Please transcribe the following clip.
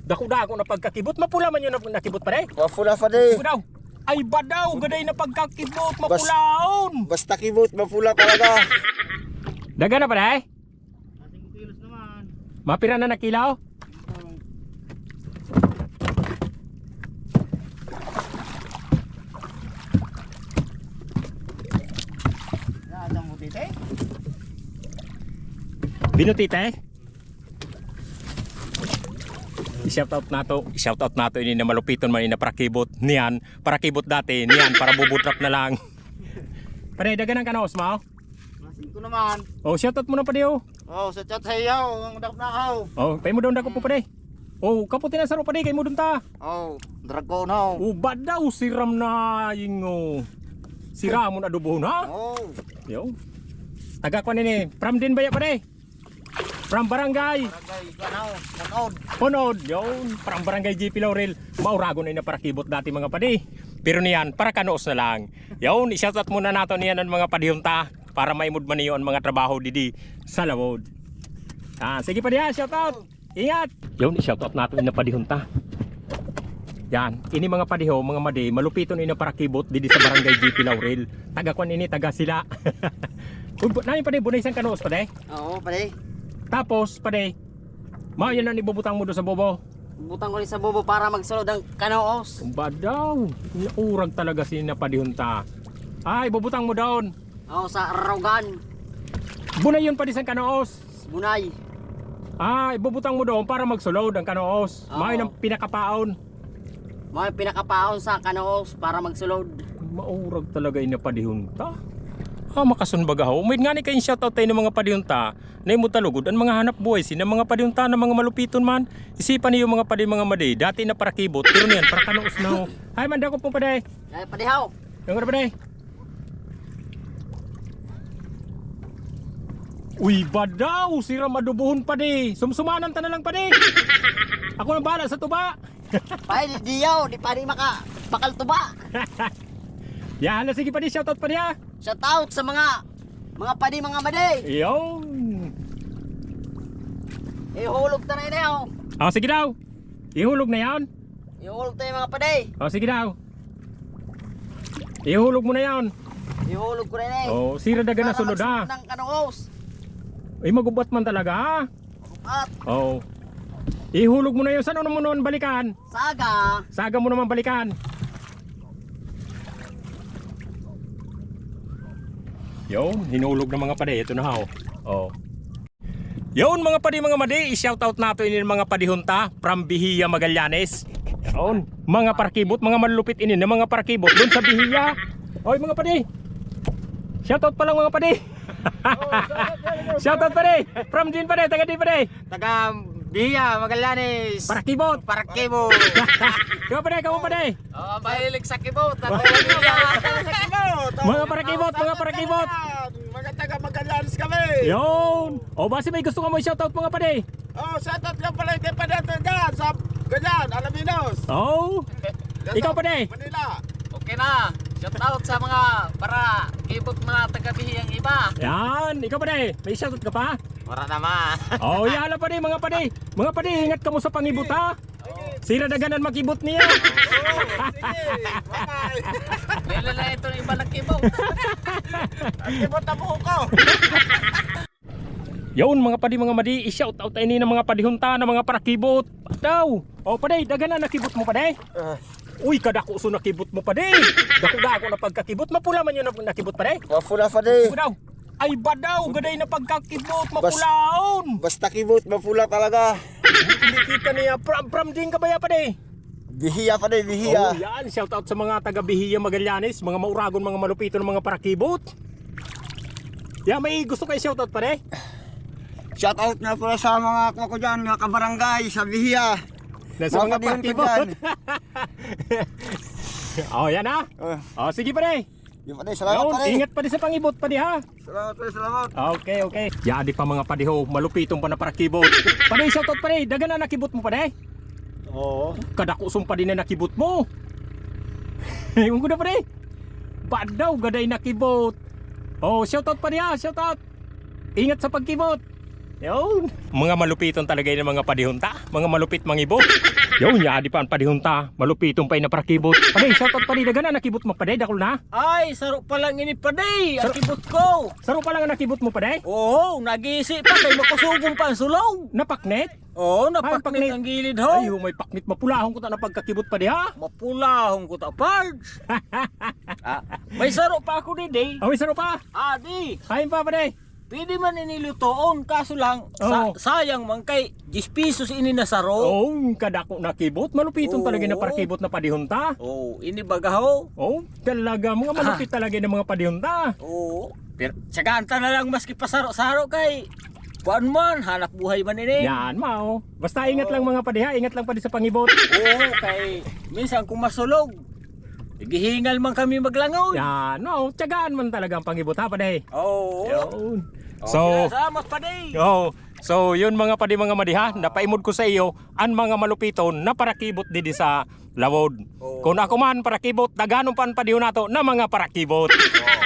Dako-dako na pagkakibot, mapula man yun na nakibot pa de. Mapula pa de. Daw. Ay badaw, gaday na pagkakibot, mapulaon. Basta kibot, mapula talaga. Daga na pa de? 5 kilos naman. Mapira na nakilaw? Ada mo dito eh. Binutite? I-shoutout nato ini na malupiton man ini na parakibot niyan, parakibot dati niyan para bubutrap na lang. Pare dagan ang kanaos mo. Masin ko naman. Oh, shoutout mo na pa diyo. Oh, sa chat hayaw, ang daknakaw. Oh, pay mo daw dako po pare. Oh, kaputi na saro pare kay mo dun ta. Oh, dragon ho. Oh, badaw siram na yingo. Sira mo na dubo na. Oh, Yo. Taga ko nini, from din baya pare. From barangay barangay kanaw, munod. Punod, yun, parang barangay GP Laurel. Maurago na yun na parakibot dati mga padi. Pero niyan, para kanoos na lang. Yun, i-shoutout muna nato niyan ang mga padihunta para maimod man niyo ang mga trabaho didi sa lawod. Sige pa diya, shoutout. Ingat. Yun, i-shoutout nato yung padihunta. Yan, ini mga padiho, mga madi, malupito na yun na parakibot didi sa barangay GP Laurel. Taga kwan ini, taga sila. Namin padi, bunay isang kanoos padi. Oo, pare. Tapos padi, yan na ibubutang mo doon sa bobo. Butang ko rin sa bobo para magsulod ang kanaos. Ba daw? Urag talaga si napadihunta. Ay, bubutang mo doon. Oh, sa Rogan, Bunay yun pa di sa kanoos. Bunay. Ay, bubutang mo doon para magsulod ang kanoos. Oo. May ng pinakapaon. May pinakapaon sa kanaos para magsulod. Maurag talaga yung napadihunta. Makasunbagaw. May nga ni kayong shoutout tayo ng mga padihunta na yung talugod ang mga hanap buhay sin ng mga padihunta ng mga malupiton man. Isipan niyo mga padi mga madi. Dati na para kibot. Pero niyan, para kanoos na ho. Ay, manda ko pong paday. Ay, padihaw. Yung nga paday. Uy, badaw! Sira madubuhon pa di. Sumsumanan ta na lang pa di. Ako nang bahala sa tuba. Pay, diyaw, di pa rin bakal tuba. Yan, sige pa di. Shoutout pa di ha. Shout out sa mga padi mga madi. Yun. Ihulog ta na yun. Sige daw. Ihulog na yan. Ihulog ta yung mga padi. Sige daw. Ihulog mo na yan. Ihulog ko rin eh. Sira daga na Para sulod ha. magsulod ng kanaos. Magubat man talaga ha. At Ihulog mo na yun. Saan mo naman balikan? saga. Saga mo naman balikan. Yun, hinulog ng mga padi. Ito na ha. Yun mga padi mga madi. I-shoutout nato ini mga padihunta from Bihia, Magallanes. Yun, mga parakibot, mga malulupit ini ng mga parakibot doon sa Bihia. Oy mga padi. Shoutout pa lang mga padi. Shoutout padi. From din padi, taga din padi. Taga Bihia, Magallanes. Parakibot. Parakibot. Kamu padi, kamu padi. Mahilig sa kibot. Mga parakibot, mga parakibot. Mga taga Magallanes kami. Yun. Basi may gusto ka mo i-shoutout mga padi. Shoutout nga pala hindi pa dito dyan sa ganyan, Alaminos. Ikaw padi. Manila. Okay na. Shout out sa mga para kibot mga taga Bihiyang iba. Yan, ikaw padi. May shoutout ka pa? Wala naman. Yala padi mga padi. Mga padi, ingat ka mo sa pangibot ha. Sira daganan makibot niya. Bye-bye. Lala na ito ng iba ng kibot. Kibot na buho ko. Yun mga padi mga madi, i-shoutout tayo ni ng mga padihunta ng mga parakibot. Daw. Padi, daganan nakibot mo padi. Uy, kadako so nakibot mo padi. Dako-dako na pagkakibot, mapula man yun na nakibot padi. Mapula pa de. Daw. Ay badaw, gaday na pagkakibot, mapulaon. Basta kibot, mapula talaga. Hindi kita niya, pram din ka ba ya padi? Bihiya pa de, bihiya. Yan, shoutout sa mga taga Bihia, Magallanes, mga mauragon, mga malupito ng mga parakibot. Yan, may gusto kayo shoutout padi? Shoutout na pala sa mga ko dyan, mga kabarangay sa Bihiya. Nasa mga parakibot. Yan ha. Sige padi. Yung pala, salamat Yun, pala. ingat pa di sa pangibot pa di ha. Salamat pala, salamat. Okay. Yadi pa mga padiho, malupitong pa na parakibot. Padi, shoutout padi, daga na nakibot mo padi. Kadakusong pa din na nakibot mo. Yung ko na padi. Badaw, gaday nakibot. Shoutout padi ha, shoutout. Ingat sa pagkibot. Yun. Mga malupiton talaga yung mga padihunta. Mga malupit mangibot. Yaw niya, di pa ang padihunta. Malupitong pa'y na parakibot. Paday, shoutout paday, daga na nakibot mo paday, dakol na. Ay, saro pa lang ini paday, ang kibot ko. Saro pa lang ang nakibot mo paday. Oo, nag-iisip pa kay makusugong pa ang sulong. Napaknet. Oo, paknit. napaknit ang gilid Ay, ho. may paknit mapulahong ko ta na pagkakibot paday ha. Mapulahong ko ta, Pards. May saro pa ako ni Day. Away, saro pa. Di. Hain pa paday. Pwede man inilutoon, kaso lang, Oo. sayang man kay 10 pesos ini na saro. Oh, kadako nakibot. Malupitong talaga na parakibot na padihunta. Oo, ini baga ho. Oh, talaga. Mga malupit talaga ng mga padihunta. Oo. Pero tsaganta na lang maski pasaro-saro kay kuan man, hanap buhay man ini. Yan, mao. Basta ingat lang mga padiha. Ingat lang padi sa pangibot. Oo, kay minsan kung masulog, gihingal man kami maglangaw. Yan, mao. Tiyagaan man talaga ang pangibot ha, paday. Oo. Yun. So, So, salamat pa day. so yun mga padi mga madiha, napaimod ko sa iyo ang mga malupiton na parakibot didi sa lawod. Oo. Kung ako man parakibot, daganon pa ang padihon nato na mga parakibot.